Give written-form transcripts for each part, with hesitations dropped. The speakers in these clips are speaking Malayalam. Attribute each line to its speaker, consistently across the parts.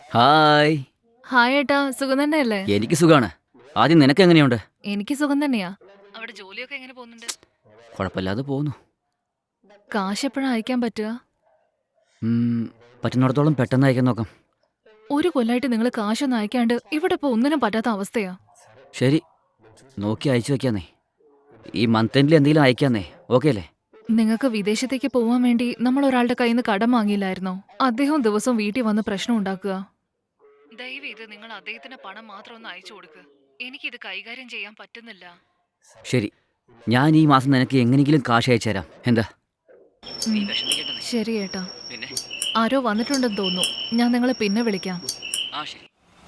Speaker 1: ഹായ്.
Speaker 2: ഹായ് ഏട്ടാ, സുഖം തന്നെയല്ലേ?
Speaker 1: എനിക്ക് സുഖാണ്. ആദ്യം നിനക്ക് എങ്ങനെയുണ്ട്?
Speaker 2: എനിക്ക് സുഖം തന്നെയാ. അവിടെ ജോലിയൊക്കെ എങ്ങനെ പോകുന്നുണ്ട്?
Speaker 1: കുഴപ്പമില്ലാതെ പോകുന്നു.
Speaker 2: കാശ് എപ്പോഴാ അയക്കാൻ പറ്റുക?
Speaker 1: ഉം, പറ്റുന്നിടത്തോളം പെട്ടെന്ന് അയക്കാൻ നോക്കാം.
Speaker 2: ഒരു കൊല്ലായിട്ട് നിങ്ങൾ കാശൊന്നും അയക്കാണ്ട് ഇവിടെ ഇപ്പൊ ഒന്നിനും പറ്റാത്ത അവസ്ഥയാ.
Speaker 1: ശരി, നോക്കി അയച്ചു വെക്കാന്നേ. ഈ മന്ത് എൻഡിൽ എന്തെങ്കിലും അയക്കാന്നേ. ഓക്കെ അല്ലേ?
Speaker 2: നിങ്ങൾക്ക് വിദേശത്തേക്ക് പോവാൻ വേണ്ടി നമ്മൾ ഒരാളുടെ കയ്യിൽ നിന്ന് കടം വാങ്ങിയില്ലായിരുന്നോ? അദ്ദേഹം ദിവസവും വീട്ടിൽ വന്ന് പ്രശ്നം ഉണ്ടാക്കുക. ദയവേത് നിങ്ങൾ അദ്ദേഹത്തിന് പണം മാത്രം ഒന്ന് അയച്ചു കൊടുക്ക്. എനിക്കിത് കൈകാര്യം ചെയ്യാൻ പറ്റുന്നില്ല.
Speaker 1: ശരി, ഞാൻ ഈ മാസം നിനക്ക് എങ്ങനെയെങ്കിലും കാശ് അയച്ചു തരാം. എന്താ?
Speaker 2: ഉം, ശരി ഏട്ടാ.
Speaker 1: പിന്നെ
Speaker 2: ആരോ വന്നിട്ടുണ്ടെന്ന് തോന്നുന്നു. ഞാൻ നിങ്ങളെ പിന്നെ വിളിക്കാം.
Speaker 1: ശരി.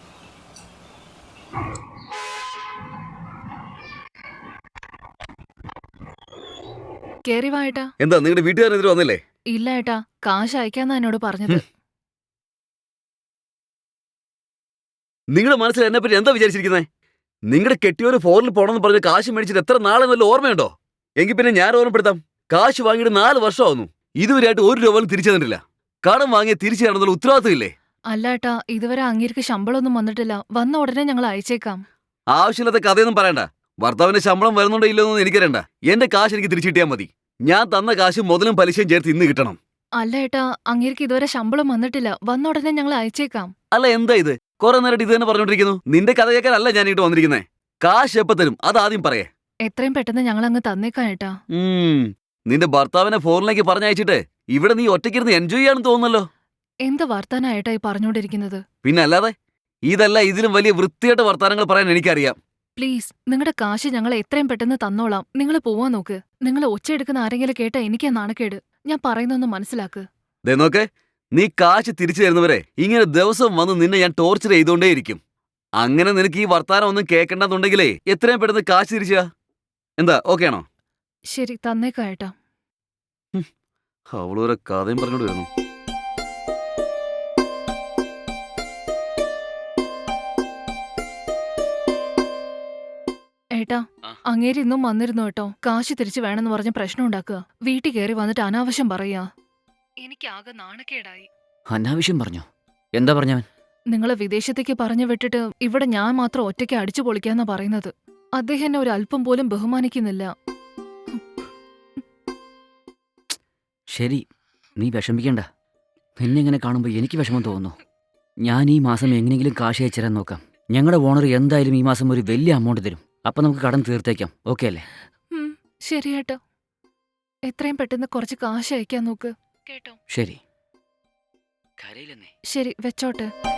Speaker 2: കേറി വാ ഏട്ടാ.
Speaker 3: എന്താ നിങ്ങളുടെ വീട്ടുകാരെതിരെ വന്നില്ലേ?
Speaker 2: ഇല്ല ഏട്ടാ, കാശ് അയക്കാന്നാ എന്നോട് പറഞ്ഞത്.
Speaker 3: നിങ്ങളുടെ മനസ്സിൽ എന്നെ പറ്റി എന്താ വിചാരിച്ചിരിക്കുന്നത്? നിങ്ങളുടെ കെട്ടിയൊരു ഫോറിൽ പോകണമെന്ന് പറഞ്ഞ് കാശ് മേടിച്ചിട്ട് എത്ര നാളെന്നല്ല ഓർമ്മയുണ്ടോ? എങ്കിൽ പിന്നെ ഞാൻ ഓർമ്മപ്പെടുത്താം. കാശ് വാങ്ങിയിട്ട് 4 വർഷമാവുന്നു. ഇതുവരെയായിട്ട് 1 രൂപ പോലും തിരിച്ചു തന്നിട്ടില്ല. കടം വാങ്ങിയ തിരിച്ചു തരണമെന്നുള്ള ഉത്തരവാദിത്തം ഇല്ലേ?
Speaker 2: അല്ല ഏട്ടാ, ഇതുവരെ അങ്ങേർക്ക് ശമ്പളമൊന്നും വന്നിട്ടില്ല. വന്ന ഉടനെ ഞങ്ങൾ അയച്ചേക്കാം.
Speaker 3: ആവശ്യമില്ലാത്ത കഥയൊന്നും പറയണ്ട. ഭർത്താവിന്റെ ശമ്പളം വരുന്നുണ്ടോ ഇല്ലെന്നൊന്നും എനിക്കറിയണ്ട. എന്റെ കാശ് എനിക്ക് തിരിച്ചു കിട്ടിയാൽ മതി. ഞാൻ തന്ന കാശ് മുതലും പലിശയും ചേർത്ത് ഇന്ന് കിട്ടണം.
Speaker 2: അല്ല ഏട്ടാ, അങ്ങേർക്ക് ഇതുവരെ ശമ്പളം വന്നിട്ടില്ല. വന്ന ഉടനെ ഞങ്ങൾ അയച്ചേക്കാം.
Speaker 3: അല്ല എന്താ ഇത്? കുറെ നേരമായിട്ട് ഇത് തന്നെ പറഞ്ഞോണ്ടിരിക്കുന്നു. നിന്റെ കഥ കേൾക്കാനല്ല ഞാൻ ഇങ്ങോട്ട് വന്നിരിക്കുന്നത്. കാശ് എപ്പ തരും അത് ആദ്യം പറയേ.
Speaker 2: എത്രയും പെട്ടെന്ന് ഞങ്ങൾ അങ്ങ് തന്നേക്കാം ഏട്ടാ.
Speaker 3: നിന്റെ ഭർത്താവിനെ ഫോറിലേക്ക് പറഞ്ഞയച്ചിട്ട് ഇവിടെ നീ ഒറ്റയ്ക്കിരുന്ന് എൻജോയ് ചെയ്യാണെന്ന് തോന്നുന്നല്ലോ.
Speaker 2: എന്ത് വർത്താനാ ഏട്ടാ ഈ പറഞ്ഞോണ്ടിരിക്കുന്നത്?
Speaker 3: പിന്നെ അല്ലാതെ ഇതല്ല, ഇതിലും വലിയ വൃത്തിയായിട്ട് വർത്താനങ്ങൾ പറയാൻ എനിക്കറിയാം.
Speaker 2: പ്ലീസ്, നിങ്ങളുടെ കാശ് ഞങ്ങൾ എത്രയും പെട്ടെന്ന് തന്നോളാം. നിങ്ങൾ പോവാൻ നോക്ക്. നിങ്ങൾ ഒച്ചയെടുക്കുന്ന ആരെങ്കിലും കേട്ടാ എനിക്കാ നാണക്കേട്. ഞാൻ പറയുന്നൊന്ന് മനസ്സിലാക്ക്.
Speaker 3: ദേ നോക്ക്, നീ കാശ് തിരിച്ചു തരുന്നവരെ ഇങ്ങനെ ദിവസം വന്ന് നിന്നെ ഞാൻ ടോർച്ചർ ചെയ്തുകൊണ്ടേയിരിക്കും. അങ്ങനെ നിനക്ക് ഈ വർത്താനം ഒന്നും കേൾക്കണ്ടെന്നുണ്ടെങ്കിലേ എത്രയും പെട്ടെന്ന് കാശ് തിരിച്ചാ. എന്താ ഓക്കെ ആണോ?
Speaker 2: ശരി, തന്നേക്കാം ഏട്ടാ.
Speaker 3: അവളോരോ കഥയും പറഞ്ഞോണ്ട് വരുന്നു.
Speaker 2: ഏട്ടാ, അങ്ങേര് ഇന്നും വന്നിരുന്നു കേട്ടോ. കാശ് തിരിച്ചു വേണമെന്ന് പറഞ്ഞ് പ്രശ്നം ഉണ്ടാക്കുക. വീട്ടിൽ കയറി വന്നിട്ട് അനാവശ്യം പറയാ. എനിക്കാകെ നാണക്കേടായി.
Speaker 1: അനാവശ്യം പറഞ്ഞോ? എന്താ പറഞ്ഞവൻ?
Speaker 2: നിങ്ങളെ വിദേശത്തേക്ക് പറഞ്ഞു വിട്ടിട്ട് ഇവിടെ ഞാൻ മാത്രം ഒറ്റയ്ക്ക് അടിച്ചു പൊളിക്കാന്നാ പറയുന്നത്. അദ്ദേഹം എന്നെ ഒരു അല്പം പോലും ബഹുമാനിക്കുന്നില്ല.
Speaker 1: ശരി, നീ വിഷമിക്കണ്ട. നിന്നെ ഇങ്ങനെ കാണുമ്പോൾ എനിക്ക് വിഷമം തോന്നുന്നു. ഞാൻ ഈ മാസം എങ്ങനെയെങ്കിലും കാശ് അയച്ചു തരാൻ നോക്കാം. ഞങ്ങളുടെ ഓണർ എന്തായാലും ഈ മാസം ഒരു വലിയ എമൗണ്ട് തരും. അപ്പം നമുക്ക് കടം തീർത്തേക്കാം. ഓക്കെ അല്ലേ?
Speaker 2: ശരി ഏട്ടാ, എത്രയും പെട്ടെന്ന് കുറച്ച് കാശ് അയക്കാൻ നോക്ക് കേട്ടോ.
Speaker 1: ശരി. കരയില്ലെന്നേ.
Speaker 2: ശരി, വെച്ചോട്ടെ.